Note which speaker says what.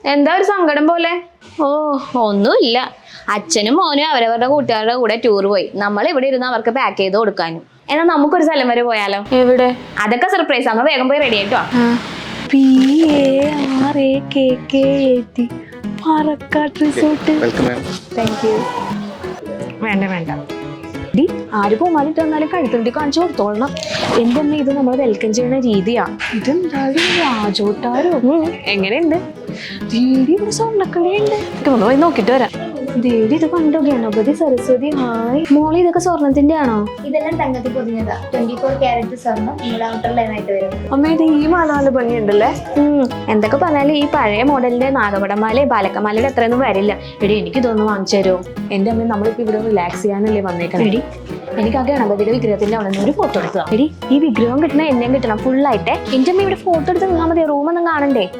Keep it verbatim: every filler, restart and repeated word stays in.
Speaker 1: എന്താ ഒരു സങ്കടം പോലെ?
Speaker 2: ഓ ഒന്നുമില്ല. അച്ഛനും മോനും അവരവരുടെ കൂട്ടുകാരുടെ കൂടെ ടൂർ പോയി. നമ്മൾ ഇവിടെ ഇരുന്ന് അവർക്ക് പാക്ക് ചെയ്ത് കൊടുക്കാനും.
Speaker 1: എന്നാ നമുക്കൊരു സ്ഥലം വരെ പോയാലോ?
Speaker 2: എവിടെ?
Speaker 1: അതൊക്കെ സർപ്രൈസ്. അമ്മ വേഗം പോയി റെഡി ആയിട്ടോ.
Speaker 2: P A R A K K A T Parakkad resort.
Speaker 1: Thank you. വേണ്ട വേണ്ട ഡി ആര് പോമാലിട്ട് വന്നാലും കഴുത്തുണ്ടി കാണിച്ചു കൊടുത്തോളണം. എന്റെ അമ്മ ഇത് നമ്മൾ വെൽക്കം ചെയ്യുന്ന രീതിയാ. ഇതെന്തായാലും രാജോട്ടാരോ. എങ്ങനെയുണ്ട്? ദീദി ഇവിടെ സ്വർണ്ണക്കളിയുണ്ട്. ഒന്ന് പോയി നോക്കിട്ട് വരാം. ദേവി ഇത് കണ്ടോ? ഗണപതി സരസ്വതി. ഹായ് മോളി, ഇതൊക്കെ സ്വർണത്തിന്റെ ആണോ?
Speaker 3: ഇതെല്ലാം തങ്കത്തിൽ പൊതിഞ്ഞതാ. ട്വന്റി ഫോർ ക്യാരറ്റ് സ്വർണ്ണം നമ്മുടെ ഔട്ടർ ലൈൻ ആയിട്ട് വരും.
Speaker 1: അമ്മ ഇത് ഈ മാല നല്ല ഭംഗിയുണ്ടല്ലേ. ഉം എന്തൊക്കെ പറഞ്ഞാലും ഈ പഴയ മോഡലിന്റെ നാഗപടമാലയും ബാലക്കമാലയുടെ അത്രയൊന്നും വരില്ല. എടി എനിക്ക് ഇതൊന്ന് വാങ്ങിച്ചു തരുമോ? എന്റെ അമ്മ നമ്മളിപ്പോ ഇവിടെ റിലാക്സ് ചെയ്യാനല്ലേ വന്നേക്കണം. എടി എനിക്ക് ആ ഗണപതിയുടെ വിഗ്രഹത്തിന്റെ അവിടെ നിന്ന് ഒരു ഫോട്ടോ എടുത്തതാ. എടി ഈ വിഗ്രഹം കിട്ടണ എന്നെയും കിട്ടണം ഫുള്ളായിട്ടെ. എന്റെ അമ്മ ഇവിടെ ഫോട്ടോ എടുത്ത് നിന്നാൽ മതി, റൂമൊന്നും കാണണ്ടേ.